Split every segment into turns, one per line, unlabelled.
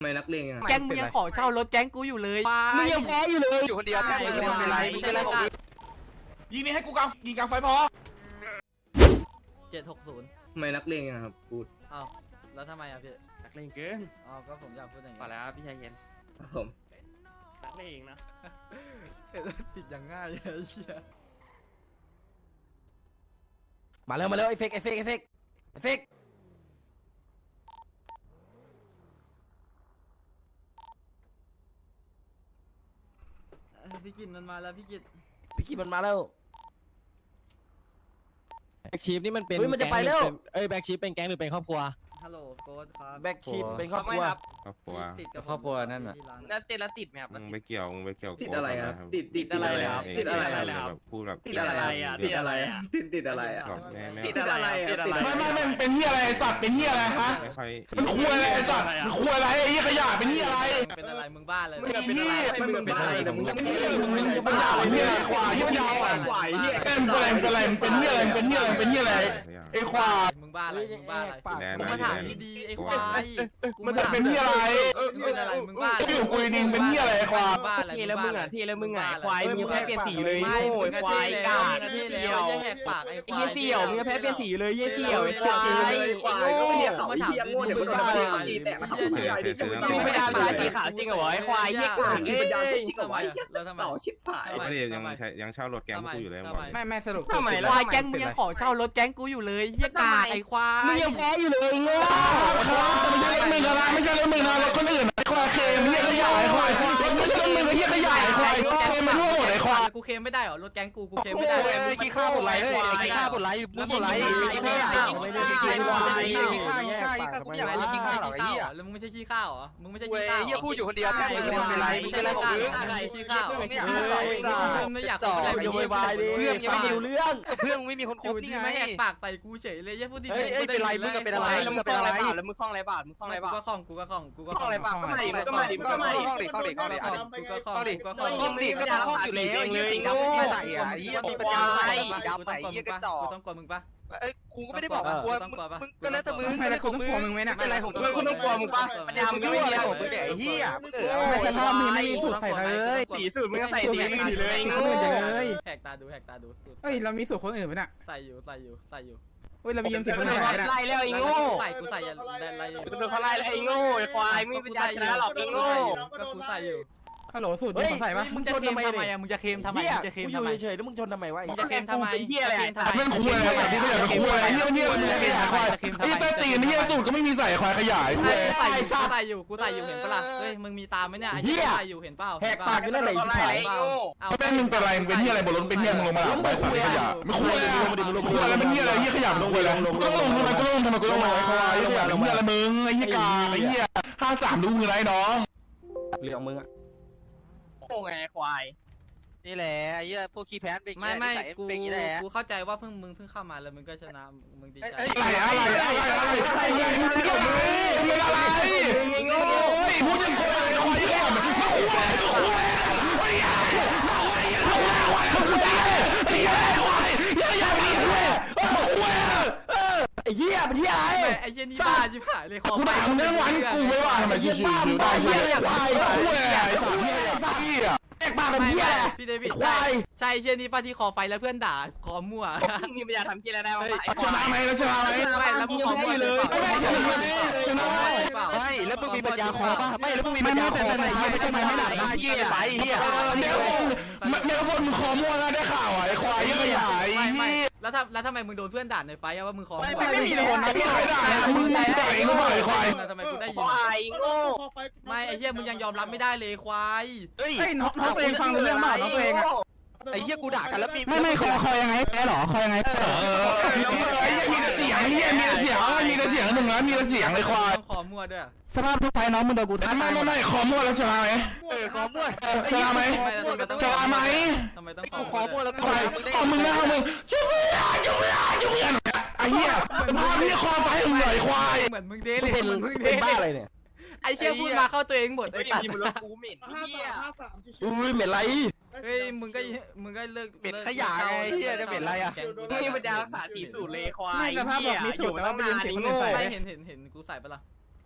ไม่นักเลงอ่ะ
แก๊งมึงยังขอเช่ารถแก๊งกูอยู่เลยมึงยังแพ้อยู่เลย
อยู่คนเดียวแค่มึงเป็นไรมึงเป็นไรของมึง
ยิงนี่ให้กูยิงกลางไฟพอ
760
ไม่นักเลงอ่ะครับพูด
อ้าวแล้วทำไมอ่ะพี่
นักเลงเกิน
อ๋อก็ผมอยากพูดอย่าง
พอ
นี้
แล้วพี่ชายเย็น
ครับผม
นักเลงนะ
ติดอย่างง่ายไอ้เหี้ย
มาเร็วไอ้เฟก
พี่กินมันมาแล้วพี่กิน
พี่กินมันมาแล้ว
แบ็กชีฟนี่มันเป็น
เฮ้ยมันจะไปแล้ว
แบ็กชีฟเป็นแก๊งหรือเป็นครอบครัว
ฮัลโหลโค้ดครับ
แบ็คชิปเป็นครอบครัว
ครอบครัว
ติดกับ
ครอบครัวนั่นน่ะ
ที่ร้า
แล้วติดแล้วติดไหมครับ
มึงไปเกี่ยว
ติดอะไรครับ
โกรธ
ติดอะไรครับ
เง
ติดอะไร
เง
ครับ
แบบพูดแบบ
ติดอะไรอ่ะติดอะไรอ่ะติดอะไรอ่ะ
หลอกแม่
ติดอะไรอ่ะติดอะไร
ไม่เป็นเหี้ยอะไรสัตว์เป็นเหี้ยอะไรฮะ
ไม่ค่อย
มันคุยอะไรสัตว์มันคุยอะไรไอ้เหี้ยขยะเป็นเหี้ยอะไร
เป็นอะไรมึงบ้าเลย
ไอ้เหี้ย
ไม่มึงเป็นอะไรแต่มึงจะไม่
มึงปัญญาเหี้ยควายเหี้ยปัญญาอ่อน
ควายเหี้ย
เป็นอะไรเป็นเหี้ยอะไรเป็นเหี้ยอะไรเป็นเหี้ยอะไรไอ้ควาย
มึงบ้าอะไรมึงบ้าอะไร
แน่
มึง
นะ
มาถามดีๆไอ้ควายกู
มันจะเป็นเหี้ยอะไร
มึงเป็นอะไรมึงบ้าอะไร
อยู่กุยดิงเป็นเหี้ยอะไรควาย
บ้าอะไร
ทีแล้วมึงอ่ะทีแล้วมึงอ่ะควายมึงแพ้เปลี่ยนสีเลย
ไม่
โง่
มึง
ควายกาด
เที่
เสี่
แล้
ยว ว
อย่าแหกปากไอ้ควาย
เยี่ยเสี่ยวมึงแพ้เปลี่ยนสีเลยเยี่ยเสี่ยวไอ้ควาย
ควายก็ไม่เรียกเขาไอ้เหี้ยโง่เดี๋ยวมึงโดนตีแตกมาทำอะไรดิ
มึงไม่ได้มาสีขาวจริงเหรอไอ้ควายเยี่ยกาด
มีปัญญาใช้จริงกับไว้
แล้วทำไม
เต่าชิบหาย
ไม่ได้ยังเช่ารถแกงกูอยู่เลยบอก
ไม่สรุป
ทำไม
ควายแก๊งมึงยังขอเช่ารถแก๊งกูอยู่เลยเหี้ยกาไอ้ควาย
มึงยังแพ้อยู่เลยโง่
ไม่ใช่รถมึงอะไรไม่ใช่รถมึงนะรถคนอื่นไอ้ควายเคมเหี้ยขยะไอ้ควายรถไม่ใช่รถมึงไอ้เหี้ยขยะไอ้ควายเคมมันรั่วหมดไอ้ควาย
กูเคลมไม่ได้เหรอรถแก๊งกูเคลมไม่ได้
โอ้ยขี้ข้าวหมดไรเลยขี้ข้าวหมดไรมึงหมดไรขี้ข้าวไม่ได้ขี้ข้าวขี้ข้าวกูไม่อยากเป็นขี้ข้าวหรอกไอ้เหี้ย
แล้วมึงไม่ใช่ขี้ข้าวเหรอมึงไม่ใช่
เว้
ขี้
ย
ข้าว
เหี้ยพูดอยู่คนเดียวแค่มึงเป็นไรมึงเป็นไรของมึง
ขี้ข้าว
มึงไม่อยากพูดหรอก
ไม่อยาก
จ่อ
อะไร
อย่าโวยวายดิเพื่อนยังไม่รู้เรื่องเพื่อนไม่มีคนค
อบ ยู่
นี่
ที่
ไง
ไม่แหกปากใส่กูเฉยเลยอย่าพูดดี
เฮ้ยเป็นไรมึงเป็นอะไร
แล้วมึงคล้องอะไรบาทแล้วมึงคล้องอะไรบาทมึงคล้องอะไรบาท
กูก็คล่องกูก็คล่องกูก็
คล้องอะไรบาทก็มาดิก็มาดิก็มาดิ
ข้องดิข้องดิข้องดิ
กูก็คล่องกูก็คล่อง
ข้องดิ
กูก็ค
ข้
ล่
อ
อง
งดิก็ต้องข้องอยู่แล้วเหี้ยสีดำไม่ใส่อ่ะเหี้ยมีปัญญาใส่ดำใส่เหี้ยกระจอก
กูต้องกลัวมึงปะ
เอ้ยกูก็ไม่ได้บอกว่ากลัวมึงก็แล้วแต่มึงก็แล้วของมึงเป็นไรของมึง
กูต้องกลัวมึงปะ
ปัญญามึงรั่วอะไรของมึงเนี่ยไอ้เหี้ยมึง
ไม่สภาพมีไม่มีสูตรใส่เลย
สีสูตรมึงก็ใส่สีมึงดีเลยโง่
แหกตาดูแหกตาดู
เฮ้ยเรามีสูตรคนอื่นไหมน่ะ
ใส่อยู่ใส่อยู่ใส่อยู่
เฮ้ยเรามียืมสิบคนอื่นไหมน่ะ
ไล่แล้วไอ้โง่
ใส่กูใส่ยันอะไร
กูโดนเขาไล่แล้วไอ้โง่ไอ้ควายไม่เป็นญาชนะหรอกไอ้โง่
ก็กูใส่อยู่
ฮัลโหลสูตรมีคนใส่ปะ
มึงจะเคลมทำไมอ่ะมึงจะเคลมทำไมมึงจะเคลม
อ
ทำ
ยู่
ไม
เฉยๆแล้วมึงชนทำไมวะ
มึงจะเคลมทำไม
เป็นเหี้ยอะไร
แม่งคุยอะไรที่ไม่อยากเป็นคุยอะไรเหี้ยเหี้ยมึงขยะควายไอ้ใต้ตีนเหี้ยสูตรก็ไม่มีใส่ควายขยาย
กู
เว้ย
ใส่อยู่กูใส่อยู่กูใส่อยู่เห็นปะล่ะเฮ้ยมึงมีตาไหมเนี่ยไอ้ที่ใส่อยู่เห็นเปล่า
แหกปากอยู่นั่นแหละ
เขาไล่แล้วไอ้โง่
แม่งมึงเป็นอะไรมึงเป็นเหี้ยอะไรบนรถเป็นเหี้ยมึงลงมาหลังไปใส่ขยะไม่คุยอะไรคุยอะไรเป็นเหี้ยอะไรเหี้ยขยะลงไปแล้วก็ลงทำไมก็ลงทำไมก็ลงมาไอ้ควายขยะลงเหี้ยอะไรมึงไอ้เหี้ยกาไอ้เหี้ย53ดูมือไรน้อง
เรื่องมึงอ่ะ
โง่ไงควาย
นี่แหละไอ้เหี้ยพวกขี้แพ้เป็น
ไม่กูกูเข้าใจว่ามึงเพิ่งเข้ามาแล้วมึงก็ชนะมึงดีใจ
อะไรพูดยังคุยอะไรควายเหี้ยมันคุยควายไอ้เหี้ยเป็นเหี้ยอะไร
ไอ้เจนี่บ้าชิบหายเลย
กูด่ามึงทั้งวันกูไม่ว่าทำไมชิวๆได้เหี้ยควายคุยอะไรไอ้สัตว์เหี้ยแอกปากเป็นเหี้ย
พี่เดวิด
ควาย
ใช่เจนี่ป้าที่คอไฟแล้วเพื่อนด่าคอมั่ว
มีปัญญาทำเหี้ยอะไรได้บ้างไอ้ค
ช
วา
นะ
ย
ไหมแล้วชนะไหม
ไม่แล้วมึงคอมั่วเลย
ชนะไหม
ไม่แล้วมึงมีปัญญาคอป่ะไม่แล้วมึงมีปัญญาคอไหนไม่ใช่ไม่หนักนะเหี้ยไปเหี้ย
เมลฟนมึงคอมั่วนะได้ข่าวไอ้ควายยังขยาย
ไม่แล้วทำไมมึงโดนเพื่อนด่าในไฟว่ามึงคอ
ไม่มีคนนะพี่ใครด่ามึงด่าเองก็บ่อยควาย
ทำไมกูได้
ค
ยิน
วายโง่
ไม่ไอ้เหี้ยมึงยังยอมรับไม่ได้เลยควาย
เฮ้ย
เฮ้ยน้องตัวเองฟังรู้เรื่องเปล่าน้องตัวเองอะ
ไอ้เหี้ยกูด่ากันแล้วมี
ไม่คอยังไงแพ้หรอคอยังไง
ไอ้เหี้ยมีแต่เสียงไอ้เหี้ยมีแต่เสียงมีแต่เสียงหนึ่งนะมีแต่เสียงเลยควาย
ต้องคอมั่วด้วย
สภาพทุกไฟน้องมึงโดนกูทับ
ไม่คอมั่วแล้วชนะไหม
คอมั่ว
ชนะไหมชนะไหม
ทำไมต้อง
คอมั่วแล้ว
ควายเอามึงนะเอามึงจุ๊บไอ้เหี้ยภาพนี้คอไฟมึงหน่อยควาย
เหมือนมึงเด้เลย
เป็นบ้าอะไรเนี่ย
ไอ้เชี่ยพูดมาเข้าตัวเองหมด
ไอ้
ไอ้
ตั
ตั
ด
ด
มันรถกูเหม็นเหี้ย
อุ้ยเหม็นไร
เฮ้ยมึงก็เลิก
เหม็นขยะไงเหี้ยจะเหม็นอะไรอ่ะ
มึงมีปัญญารักษาสีสูตรเลยควาย
ไม่สภาพบอกมีสูตรแต่ว่าไม่ยืมสิบคนอื่นใส่
ไม่เห็นกูใส่ปะล่ะ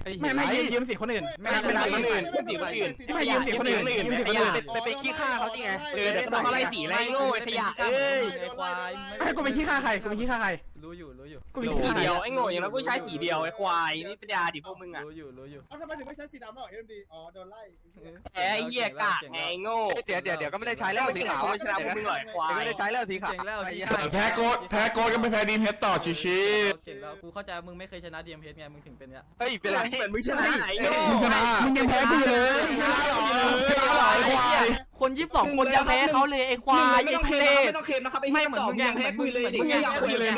ไม่ยืมสิคนอื่นไม่ยืมสิคนอื่น
ไปเป็นขี้ข้าเขาจริงไง
เดี๋ยวต้องอะไรสีไรโง่ขยะเอ้ย
ไอ้ควาย
ไอ้กูไปขี้ข้าใครกูไปขี้ข้าใคร
รู้อยู่
กูไป
สี
ขี้ข้า
เดียวไอ้โง่อย่างนั้นกูใช้สีเดียวไอ้ควายนี่ปัญญาดิพวกมึงอ่ะ
รู้อยู่
ทำไมถึงไม่ใช้สีดำหรอเอ็มดีอ๋อโดนไล่
แหมเหี้ยกากไงโง่
เดี๋ยวก็ไม่ได้ใช้แล้วสีขาว
ไม่ชนะพวกมึงหรอกควาย
ไม่ได้ใช้แล้วสีขาว
เก่งแล้ว
แพ้โกดก็ไม่แพ้ดีมเฮดต่อชิ
เก่งแล้วกูเข้าใจมึงไม่เคยชนะ DMH ไงมึงถึงเป็นเนี้ย
เฮ้ยเป็นไร
เหมือนมึงชนะไอ้โง่
มึงชนะมึงยังแพ้กูอยู่เลย
ชนะหรอไอ้ควาย
คน22คนยังแพ้เขาเลยไอ้ควาย
ไม่
ไอ้
ต้อง
ทุ
เค
เร
ม
ศ
ไม่ต้องเคมนะครับไอ้
ไม่
เหี้ย
เหมือนมึง
แยังแพ้คุยเลยเด็ก
มึง
เหี้ย
ยัง
คุยเลย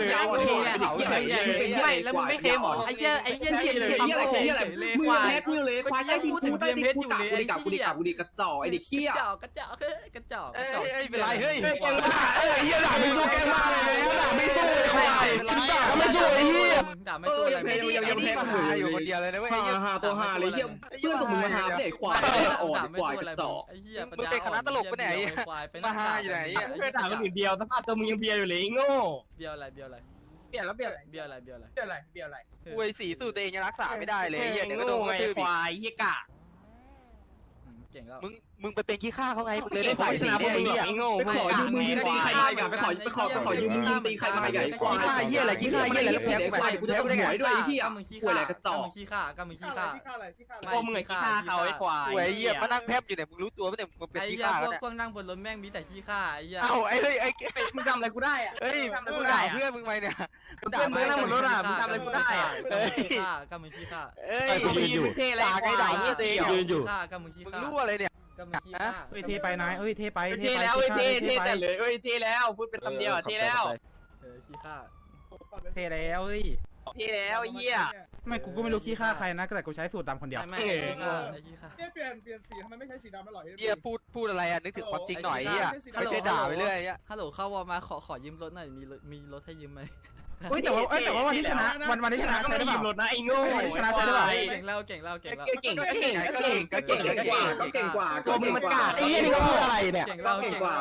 ไม่แล้วมึงไม่เคมหรอไอ้เหี้ยเทียนเลย
เหี้ยอะไรเหี้ยอะไร
เลย
มึง
ควาย
แพ้คุยเลยควายใต้ดินกูใต้ดินกูด่ากูดิกกระจอกไอ้เด็กเหี้ย
กระจอก
เป็นไรเฮ้ย
ไอ้เหี้ยด่าไม่สู้แกมาเลยด่าไม่สู้ไอ้ควายด่าไม่สู้ไอ้เหี้ย
ด่าไม่สู้อะไร
ไอ้นี่มาหาอยู่คนเดียวเลยนะเว้ย
หาตัวหาเลยเหี้ยเพื่อนสมมึงมาหาเด็กควายอ่อนควายกระจอก
ไอ้เหี้ย
มึงเป็นคณะตลกปะเนี่ยมาหาอยู่ไหน
เพื่อนด่าคนอื่นเดียวสภาพตัวมึงยังเบียร์อยู่เลยไอ้โง่
เบียร์อะไร
เบียร์แล้วเบียร์อะไร
เบียร์อะไร
เบียร์อะไร
อวยสีสูตรตัวเองยังรักษาไม่ได้เลยเหี้ยเดี๋ยวก็โดน
ไง
กระทืบ
ควายเหี้ยกะ
เก่งแล้ว
มึงไปเป็นขี้ข้าเขาไงมึงเลย
ไม่
ได้
ขอ
ฝ่าย
ช
สี
นะพว
เนี่
ก
ย
มึง
ไอ้
หร
เหี้
อย กไอ้โง่
ไปขอยืมมือตีใครมาใหญ่ไปขอยืมมือตีใครมาใหญ่ควาย
ขี้ข้าเหี้ยอะไรขี้ข้าเหี้ยอะไรแล้วแพ้กู
ควายกูจะต้องหวยด้วยไอ้เหี้ย
มึงขี้
ควายอะไรกระจอก
มึงขี้ข้าก็มึงขี้ข้า
พี่ฆ่าอะไรพี่ฆ่าอะไร
พวกมึงไอ้ขี้ข้าเขาไอ้ควาย
หวยเหี้ยมานั่งแพบอยู่เนี่ยมึงรู้ตัวปะเนี่ยมึงเป็น
ไอ้
ขี้
เหี้ย
ข้า
พ
แล้ว
วก
เนี่ย
พวกนั่งบนรถแม่งมีแต่ขี้ข้าไอ้เหี้ย
เอ้าไอ้เฮ้ยไอ้
มึงทำอะไรกูได้อะ
เฮ้ย
ทำอะไร
มึ
กู
ง
ได้
ด่า
อะ
เพื่อนมึงไหมเนี่ย
เพื่อนมึงนั่งบนรถอะมึงทำอะไรกูได้อะ
ก็มึงขี้ข้าก็มึงขี้ข้า
เอ้ย
กูยืนเท่เลย
ด่าไงด่าเหี้ยตัวเอง
ยืนอยู่ก็มึงขี้
มึง
ข้า
รู้อะไรเนี่ย
ก็มึงขี้ข้า
เอ้ยเทไปนายเอ้ยเทไป
เท่แล้วเท่แต่เลยเท่แล้วพูดเป็นคำเดียวเท่แล้ว
ขี้ข้า
เทแล้วเอ้ย
เท่แล้วเหี้ย
ไม่กูก็ไม่รู้ขี้ข้าใครนะแต่กูใช้สูตรดำคนเดียว
ไม่ขี้ข้าไอ้ขี้ข้า
เนี่ยเปลี่ยนสีทำไมไม่ใช้สีดำแล้วหรอ
เหี้ยพูดอะไรอ่ะนึกถึงความจริงหน่อยเหี้ยไม่ใช่ด่าไปเรื่อยอ่ะ
ฮัลโหลเข้าวอมาขอยืมรถหน่อยมีรถให้ยืมไหม
เฮ้ยแต่ว่าวันที่ชนะวันที่ชนะใช้ได้เปล่า
รถนะไอ้โง่
เก่งแล้ว
เก่ง
ก็เก่งก็เก่ง
กว่า
ตัวมึงมันกาด
ไอ้เหี้ยนี่ก็พูดอะไรเนี่ย
เก่งแล้ว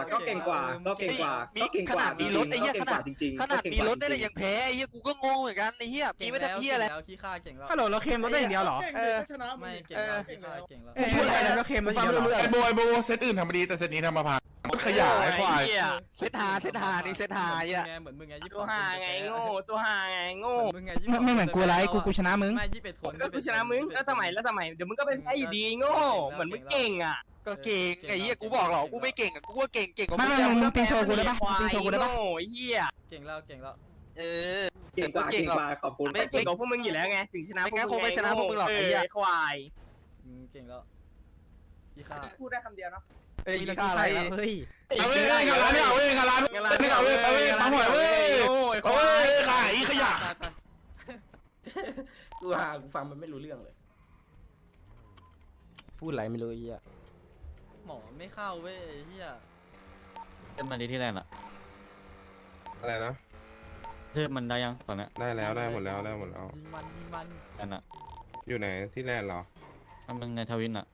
มีรถไอ้เหี้ยขนาดมีรถได้เลยยังแพ้ไอ้เหี้ยกูก็งงเหมือนกันไอ้เหี้ยมีไม่ได้เหี้ยอะไร
แล้วขี้ข้าเก่งแล้ว
ฮัลโหลเราเคมรถได้อย่างเดียวเหรอ
ชนะ
ไม่เก่งแล้วขี้ข้าเก่งแล้ว
เอ้ยพูดอะไรแล้วก็เคมรถอย่างเดียวเหรอ
ไอ้โบเซตอื่นทำมาดีแต่เซตนี้ทำมาพังขยะไอ้ควาย
เซตหานี่เซตหาอ่ะ
เหมือนมึงไง
ตัวห่าไงโง่ตัวห่าไงโง่
มึงไง
ไม่เหมือนกูไรกูชนะมึง
ไม่21คน
ก็กูชนะมึงแล้วทำไมเดี๋ยวมึงก็เป็นไอ้อยู่ดีโง่เหมือนมึงเก่งอ่ะ
ก็เก่งไอ้เหี้ยกูบอกหรอกูไม่เก่งอ่ะกูก็เก่งกว่า
ไม่มึงตีโชว์กูได้ปะตีโชว์กูได้ปะ
โง่ไอ้เหี้ย
เก่งแล้ว
เออ
เก่งกว่าขอบคุณ
ไม่เก่งกว่าพวกมึงอยู่แล้วไงถึงชนะควาย
เก่งแล้วขี้ข้า
พูดได้คำเดียวเนาะ
เฮ้ยค่าอะไร
เฮ้ย
เอาเว้ยงานร้านเนี่ยเอาเว้ยงานร้านนี่เอาเว้ยตั้งหวยเว้ยโอ้ยขายขยะ
กูฟังมันไม่รู้เรื่องเลย
พูดอะไรไม่รู้เหี้ย
หมอไม่เข้าเว้ยเฮีย
เทิร์นมันดีที่แรกอะ
อะไรนะ
เทิร์นมันได้ยังตอนเนี้ย
ได้แล้วได้หมดแล้ว
ยิงมัน
อันน่ะ
อยู่ไหนที่แรกเหรอ
มันในทวินอะ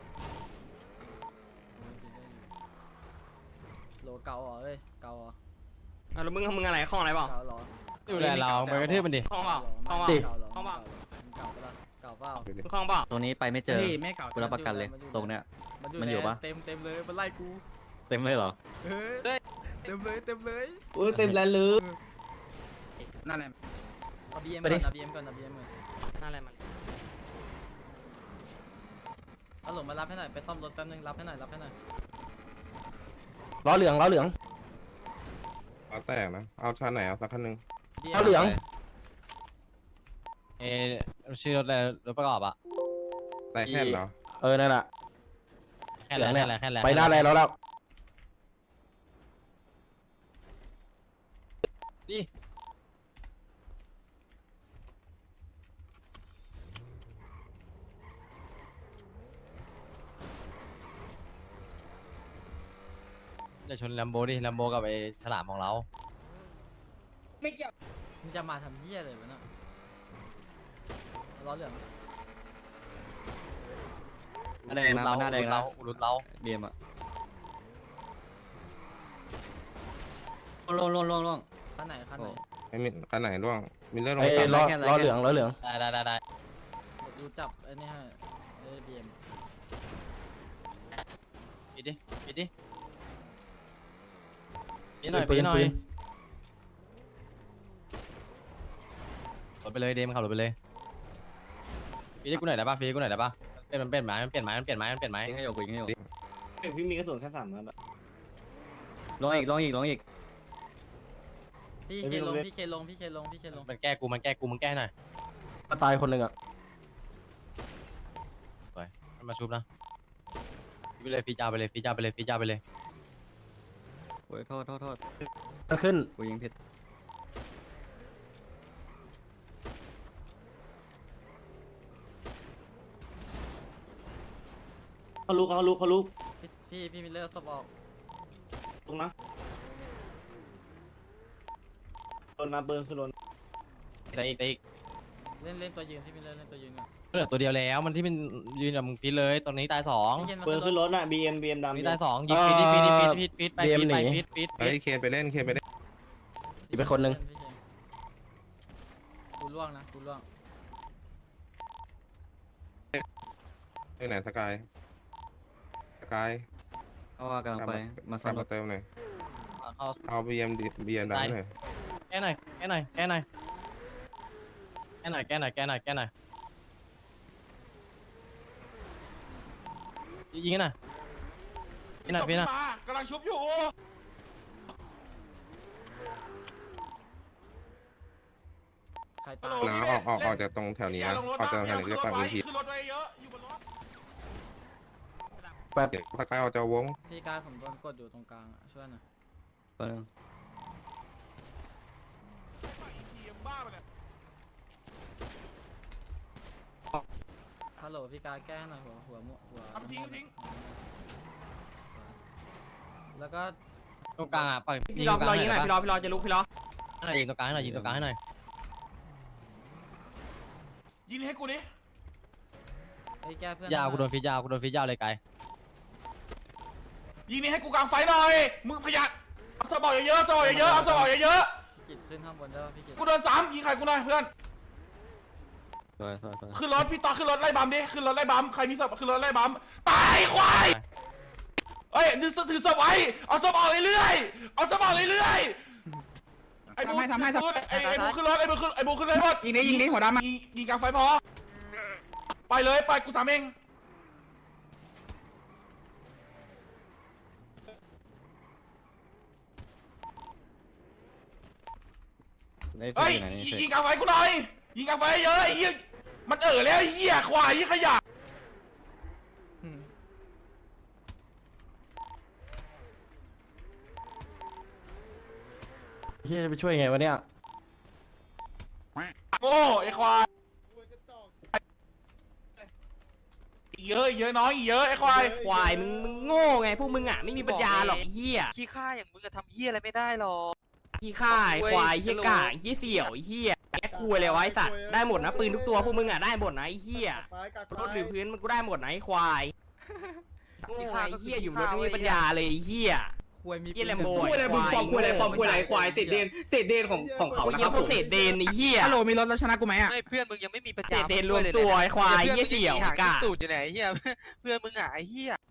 โลเกาเหรอเฮ้ยเกาเหรอ
แล้วมึงอะไรข้องอะไรเปล่า
เกาเหรอ
อยู่แลเราไปกระทืบมันดิ
ข้องเปล่าข้องเปล่าข้องเปล่า
เก่าเปล่า
ดูดิ
ข้องเปล่า
ตัวนี้ไปไม่เจอ
ไม่เก่า
กูรับประกันเลยทรงเนี้ย มันอยู่ปะ
เต็มเลยมันไล่กู
เต็มเลยเหรอ
เต็มเลย
โอ้ยเต็มแล้วเลย
นั่นแหละ
เอา BM ก่อนเอา BM ก่อน
นั่นอะไรมัน
เอาหลงมารับให้หน่อยไปซ่อมรถแป๊บนึงรับให้หน่อย
ล้อเหลือง
เอาแตกนะเอาชั้นไหนเอาสักคันนึง
เอาเหลือง
ชื่อรถอะไรรถประกอบอะ
ไรแค่เหรอ
นั่นแหละ
แค่แล้ว
ไปหน้าอะไรแล้ว
จะชนแลมโบดิแลมโบกับไอ้ฉลามของเรา
ไม่เกี่ยว
มึงจะมาทำเหี้ยเลยวะเนี่ยล้อเหลือง
หน้าแดงนะหน้าแดงนะรุดเราเบียมอะล่วง
คันไหน
ไม่มีคันไหนร่วงมีเลือดลง
ล้อเหลือง
ได้
รดูจับไอ้นี่ให้ไอ้บีเอ็ม
ปิดดิปิดดิปิดหน่อยปิดหน่อยรถไปเลยเดมขับรถไปเลยปิดให้กูหน่อยได้ป่ะปิดให้กูหน่อยได้ป่ะมันเปลี่ยนไม้มันเปลี่ยนไม้มันเปลี่ยนไม้มันเปลี่ยนไม้
ยิงให้โยกยิงให้โยก
พี่มีกระสุนแค่3 นัด
ลองอีกลองอีกลองอีก
พี่เคลงพี่เคลงพี่เคลงพี่เคลง
มันแก้กูมันแก้กูมึงแก้หน่อย
ตายคนหนึ่งอ่ะ
ไปมันมาชุบนะไปเลยฟีจ้าไปเลยฟีจ้าไปเลยฟีจ้าไปเลย
โอ้ยโทษ
มันขึ้น
กูยิงผิด
เขาลุก
พี่มิลเลอร์สบออก
ตรงนะโดนนาเบิร์นคือโดน
แต่อีก
เล่นตัวยืนพี่มิลเลอร์เล่นตัวยืน
เหลือตัวเดียวแล้วมันที่มันยืนกับมึงฟีเลยตอนนี้ตาย2
เบิร์นขึ้นรถน่ะ BM ดำ
นี่ตาย2ยิงฟีดไปฟีด
ไอ้เคนไปเล่นเคนไปเล่น
อีกเป็นคนหนึ่ง
กูล่วงนะกูล่วง
ไปไหนสกาย
เอาว่ากำลังไปมา
ตา
ซ่อ
ม
มร
มา
ถ
เติมหน่อย
เอา
เอาบีเอ็มดังหน่อย
แก้หน่อยแก้หน่อยแก้หน่อยแก้หน่อยแก้หน่อยแก้หน่อยแก้หน่อยยิงกันหน่อยยิงหน่อยพี่นะ
กำลังชุบอยู่
ใครตาย
นะออกจากตรงแถวนี้นะออกจากแถวนี้เรียกว่าพื้นที่
ขึ้นรถไว้เยอะอยู่บนรถ
สกายออกจากวง
พี่การผมโดนกดอยู่ตรงกลางช่วยหน่อย
ตัวนึง
ฮัลโหลพี่การแก้หน่อยหัวแล้วก็
ตรงกลางอ่ะปล่อย
พี่รอยิงหน่อยพี่รอจะลุกพี่รอ
ยิงตรงกลางให้หน่อยยิงตรงกลางให้หน่อย
ยิงให้กูดิ
ไอ้แก้เพื่อน
ยาวกูโดนฟีดยาวเลยไกล
ยิงนี่ให้กูกลางไฟหน่อยมึงพยักเอาสมองเยอะๆเอาสมองเยอะ
พี่กิจขึ้นข้างบนได้ป่ะพี่กิจ
ๆกูโดน3ยิงใครกูหน่อยเพื่อน
สวย
ขึ้นรถพี่ต่อขึ้นรถไล่บัมดิขึ้นรถไล่บัมใครมีศพขึ้นรถไล่บัมตายควายเอ้ยถือศพไว้เอาศพออกเรื่อยๆเอาศพออกเรื่อยๆไอ้บูทำให้ไอ้บูขึ้นรถไอ้บูขึ้นเลยหมดยิงนี้หัวดำยิงกลางไฟพอไปเลยไปกูทำเองเฮ้ยยิงกลางไฟกูหน่อยยิงกลางไฟเยอะไอ้เหี้ยมันแล้วไอ้เหี้ยควายยี่ขยะ
เฮียจะไปช่วยไงวะเนี่ย
โง่ไอ้ควายเยอะน้อยเยอะไอ้ควาย
ควายมึงโง่ไงพวกมึงอ่ะไม่มีปัญญาหรอกเฮีย
ขี้ข้าอย่างมึงจะทำเหี้ยอะไรไม่ได้หรอก
ขี้ข่ายควายเฮียกากเฮียเสี่ยวเฮียแกคุยเลยวะไอ้สัตว์ได้หมดนะปืนทุกตัวพวกมึงอ่ะได้หมดนะไอ้เฮียรถหรือพื้นมันกูได้หมดนะไอ้ควายโง่ไอ้เฮียอยู่รถไม่มีปัญญาเลยไอ้เฮีย
ควยมี
เฮียแลมโบ
คุยอะไรมึงฟอร์มคุยอะไรควายติดเดนของเขานะ
เฮี
ค
ย
รับ
พวกเศษเดนไอ้เฮีย
ฮัลโหลมีรถแล้วชนะกูไหมอ่ะ
ไม่เพื่อนมึงยังไม่มีปัญ
เศ
ญา
ษเดนรวมตัวไอ้ควายเฮียเสี่ยวกาก
สูตรอยู่ไหนเหี้ยเพื่อนมึงอ่ะไอ้เหี้ย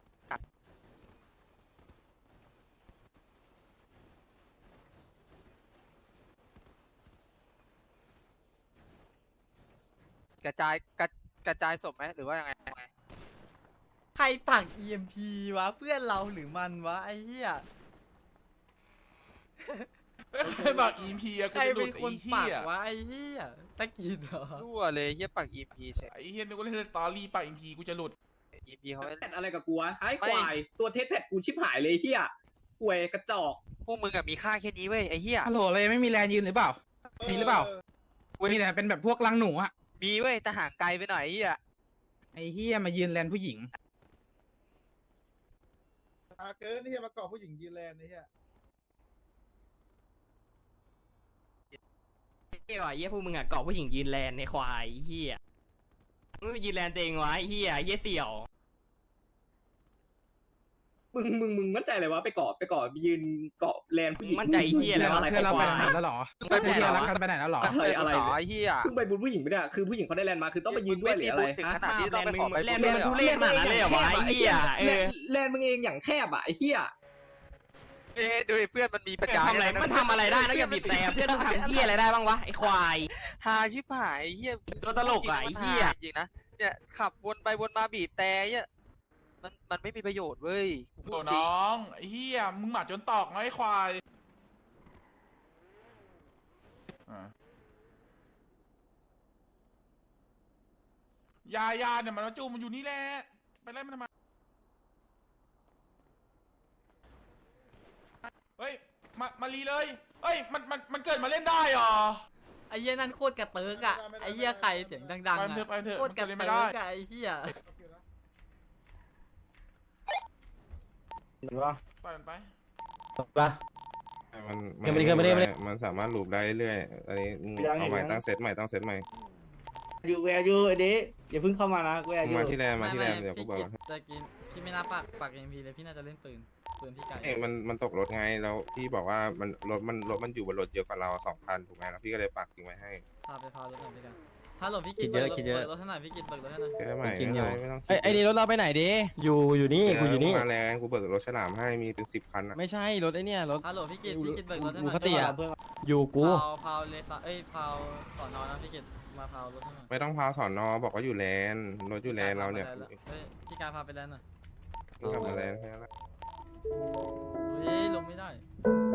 กระจายศพไหมหรือว่ายังไง
ใครปัก EMP วะเพื่อนเราหรือมันวะไอ้เหี้ย
ใครบอก EP อะ
ใครเป็นคนปักวะไอ้เหี้ยตะกี้เหรอ
รั่วเลยเหี้ยปัก EP เฉย
ไอ้เฮียนึกว่าเล่นสตอรี่ป่ะ EP กูจะหลุด
EP เขา
แพทอะไรกับกูวะไอ้ควายตัวเทสแพทกูชิบหายเลยเฮียป่วยกระจอก
พวกมึงอะมีค่าแค่นี้เว้ยไอ้เหี้ย
ฮัลโหลเลยไม่มีแรงยืนหรือเปล่ามีหรือเปล่ามีแต่เป็นแบบพวกลังหนูอ่ะ
มีเว้ยแต่ห่างไกลไปหน่อยไอ้เหี้ย
ไอ้เฮียมายืนแลนผู้หญิง
เกินนี่มาเกาะผู้หญิงยืนแลนนี่ฮะ
เฮียว่ะเฮียพวกมึงอ่ะเกาะผู้หญิงยืนแลนในควายเฮียมึงไปยืนแลนตัวเองวะไอ้เฮียเสี่ยว
มึงมั่นใจเลยว่าไปเกาะไปยืนเกาะแลนผู้หญิง
มั่นใจเฮียอะไรวะ
เพื่อนเราไปไหนแล้วหรอ
ไปไหน
เพื่อน
แล้ว
รักกันไปไหนแล้วหรอ
อะไร
ไอ้เหี้ย
เพิ่งไปบุญผู้หญิงไปเนี่ยคือผู้หญิงเขาได้แลนมาคือต้องไปยืนด้วยหรืออะไร
ถึงขนาดที่ต้องไปขอไป
แลนด์มึงมันทุเรศขนาดนั้นเลยเหรอวะไอ้เหี้ย
แลนมึงเองอย่างแคบอ่ะไอ้เหี้ย
ดูเพื่อนมันมีปัญญา
ทำอะไรมันทำอะไรได้นอกจากบีบแต่เพื่อนมึงทำเหี้ยอะไรได้บ้างวะไอ้ควาย
หาชิบหายไอ้เหี้ย
ตัวตลกอ่ะไอ้เหี้ย
จริงนะเนี่ยขับวนไปวนมาบีบแต่เนี่ยมันไม่มีประโยชน์เว้ย
โอ้น้องไอ้เหี้ยมึงหมาจนตอกไงไอ้ควายยาเนี่ยมันมาจูมันอยู่นี่แหละไปไล่มันทำไมเฮ้ยมารีเลยเฮ้ยมันเกิดมาเล่นได้หรอ
ไอ้เหี้ยนั่นโคตรกระเติกอะไอ้เหี้ยใครเสียงดังๆอะ
ไปเถอะ
โคตรกระ
มัน
เติ
เล่นไม่ได้
กอะไอ้เหี้ย
ปล่อยมันไป
มันสามารถลูปได้เรื่อยอันนี้เอาใหม่ตั้งเซตใหม่
อยู่แวร์อยู่ไอ้เด็อย่าเพิ่งเข้ามานะแวร์อยู่
มาที่แรมเดี๋ยวกูบอก
แต่กินพี่ไม่น่าปากเอ็มพีเลยพี่น่าจะเล่นปืนพี่ไก่
มันตกรถไงแล้วพี่บอกว่ามันรถมันอยู่บนรถเยอะกว่าเรา2,000ถูกไหมแล้วพี่ก็เลยปักทิ้งไว้ให้
พารถหน่อยพี่กันฮัลโหลพี่กินเบิกรถให้หน่อยพี่กินเบิกรถให้หน่อย
แค่ใหม่ไม่ต้อง
ไอ้นี่รถเราไปไหนดิอยู่นี่กูอยู่นี่
มาแรงกูเบิกรถฉลามให้มีเป็น10 คัน
ไม่ใช่รถไอ้เนี่ยรถ
ฮัลโหลพี่กินเบิกรถให้หน่อย
ปกติอะอยู่กู
พาวเลสพาวสอนอนะพี่กินมาพาวรถให้หน่อย
ไม่ต้องพาสอนอบอกว่าอยู่แลนรถอยู่แลนเราเนี่ย
พี่กายพาไปแล้วหน่อย
กลับมาแลนแค่นั้น
เฮ้ยลงไม่ได้
เ